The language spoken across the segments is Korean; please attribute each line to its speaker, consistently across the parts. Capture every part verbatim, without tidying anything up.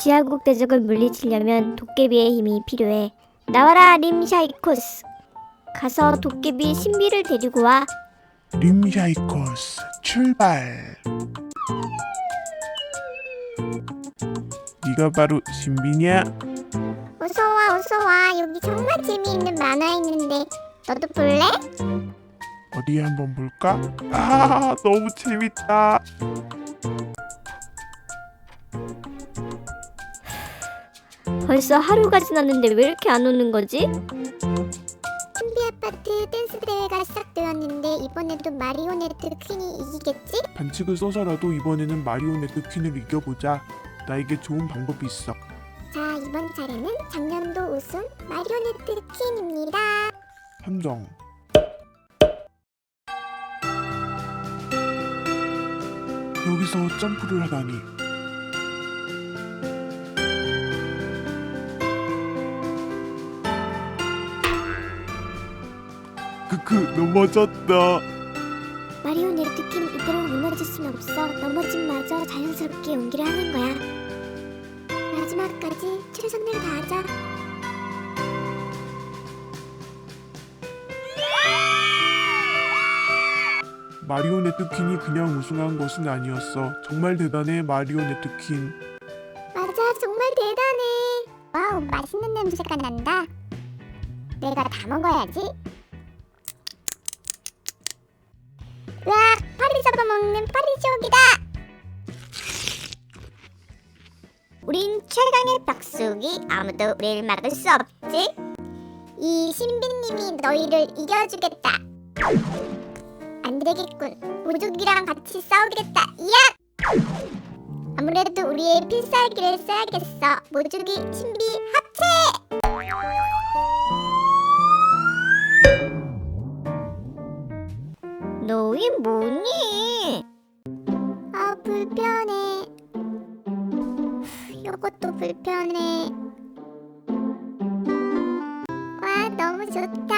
Speaker 1: 지하국 대적을 물리치려면 도깨비의 힘이 필요해. 나와라 림샤이코스. 가서 도깨비 신비를 데리고 와.
Speaker 2: 림샤이코스 출발. 네가 바로 신비냐?
Speaker 3: 어서와 어서와. 여기 정말 재미있는 만화 있는데 너도 볼래?
Speaker 2: 어디 한번 볼까? 아, 너무 재밌다.
Speaker 1: 벌써 하루가 지났는데 왜 이렇게 안 오는 거지?
Speaker 3: 신비 아파트 댄스 대회가 시작되었는데 이번에도 마리오네트 퀸이 이기겠지?
Speaker 2: 반칙을 써서라도 이번에는 마리오네트 퀸을 이겨보자. 나에게 좋은 방법이 있어.
Speaker 3: 자, 이번 차례는 작년도 우승 마리오네트 퀸입니다.
Speaker 2: 선정. 여기서 점프를 하다니. 크크, 넘어졌다.
Speaker 3: 마리오네트 퀸 이대로 무너질 순 없어. 넘어짐 마저 자연스럽게 연기를 하는 거야. 마지막까지 최선을 다하자.
Speaker 2: 마리오네트 퀸이 그냥 우승한 것은 아니었어. 정말 대단해, 마리오네트 퀸.
Speaker 3: 맞아, 정말 대단해. 와우, 맛있는 냄새가 난다. 내가 다 먹어야지. 으악, 파리 잡아먹는 파리지옥이다. 우린 최강의 벽수기. 아무도 우리를 막을 수 없지. 이 신비님이 너희를 이겨주겠다. 안 되겠군. 모조기랑 같이 싸우겠다. 이야! 아무래도 우리의 필살기를 써야겠어. 모조기 신비 합체!
Speaker 1: 너희 뭐니?
Speaker 3: 아, 불편해. 요것도 불편해. 와, 너무 좋다.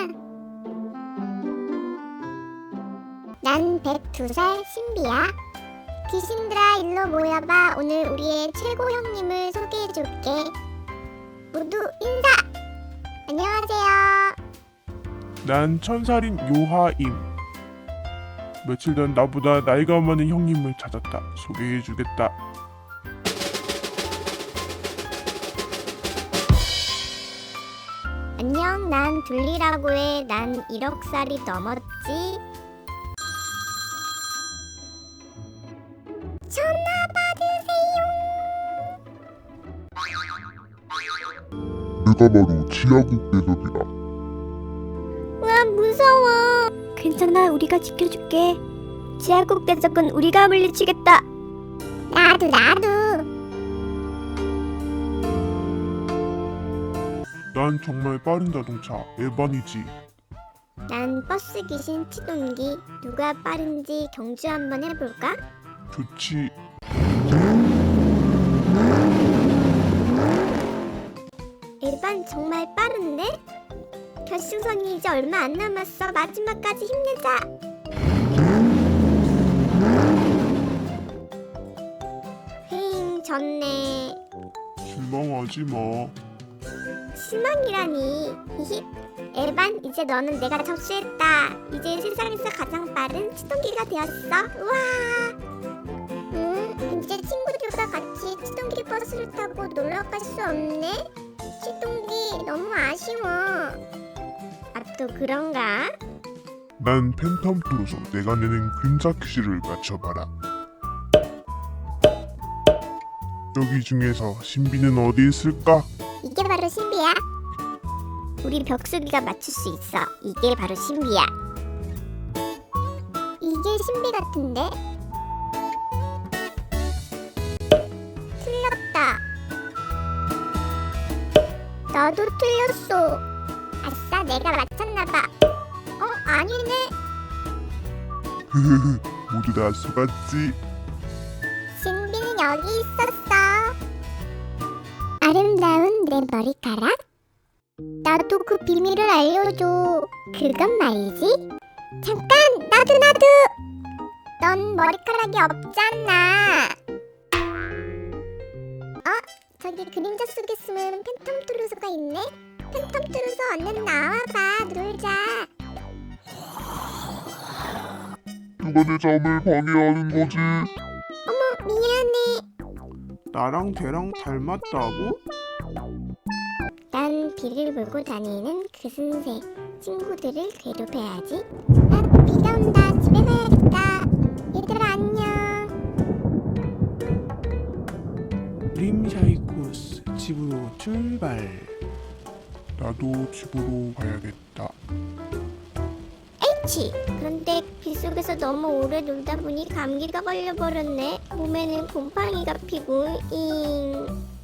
Speaker 3: 난 백두 살 신비야. 귀신들아, 일로 모여봐. 오늘 우리의 최고 형님을 소개해줄게. 모두 인사! 안녕하세요.
Speaker 2: 난 천살인 요하임. 며칠 전 나보다 나이가 많은 형님을 찾았다. 소개해주겠다.
Speaker 3: 안녕, 난 둘리라고 해. 난 일억 살이 넘었지. 전화 받으세요.
Speaker 4: 내가 바로 지하국 대적이다.
Speaker 1: 와, 무서워. 괜찮아, 우리가 지켜줄게. 지하국 대적은 우리가 물리치겠다.
Speaker 3: 나도 나도.
Speaker 2: 난 정말 빠른 자동차 에반이지.
Speaker 3: 난 버스 귀신 치동기. 누가 빠른지 경주 한번 해볼까?
Speaker 2: 좋지.
Speaker 3: 일반 정말 빠른데? 결승선이 이제 얼마 안 남았어. 마지막까지 힘내자. 헤잉, 졌네.
Speaker 2: 실망하지 마.
Speaker 3: 실망이라니. 히히. 에반, 이제 너는 내가 접수했다. 이제 세상에서 가장 빠른 치동기가 되었어. 우와. 음, 이제 친구들과 같이 치동기 버스를 타고 놀러 갈 수 없네. 치동기 너무 아쉬워. 아, 또 그런가?
Speaker 4: 난 팬텀 프로서 내가 내는 그림자 퀴즈를 맞춰봐라. 여기 중에서 신비는 어디 있을까?
Speaker 3: 이게 바로 신비야. 우리 벽수기가 맞출 수 있어. 이게 바로 신비야. 이게 신비 같은데? 틀렸다. 나도 틀렸어. 아싸, 내가 맞췄나봐. 어, 아니네.
Speaker 4: 흐흐흐, 모두 다 속았지?
Speaker 3: 신비는 여기 있었어. 아름다운 내 머리카락? 나도 그 비밀을 알려줘. 그건 말이지. 잠깐, 나도 나도. 넌 머리카락이 없잖아. 어? 저기 그림자 속에 숨은 팬텀 트루소가 있네. 팬텀 트루소 얼른 나와봐. 놀자.
Speaker 4: 누가 내 잠을 방해하는 거지?
Speaker 3: 어머 미안해.
Speaker 2: 나랑 걔랑 닮았다고?
Speaker 3: 난 비를 몰고 다니는 그 신세. 친구들을 괴롭혀야지. 아 비가 온다. 집에 가야겠다. 얘들아 안녕.
Speaker 2: 림샤이코스 집으로 출발.
Speaker 4: 나도 집으로 가야겠다.
Speaker 3: 치. 그런데 빗속에서 너무 오래 놀다 보니 감기가 걸려버렸네. 몸에는 곰팡이가 피고 잉.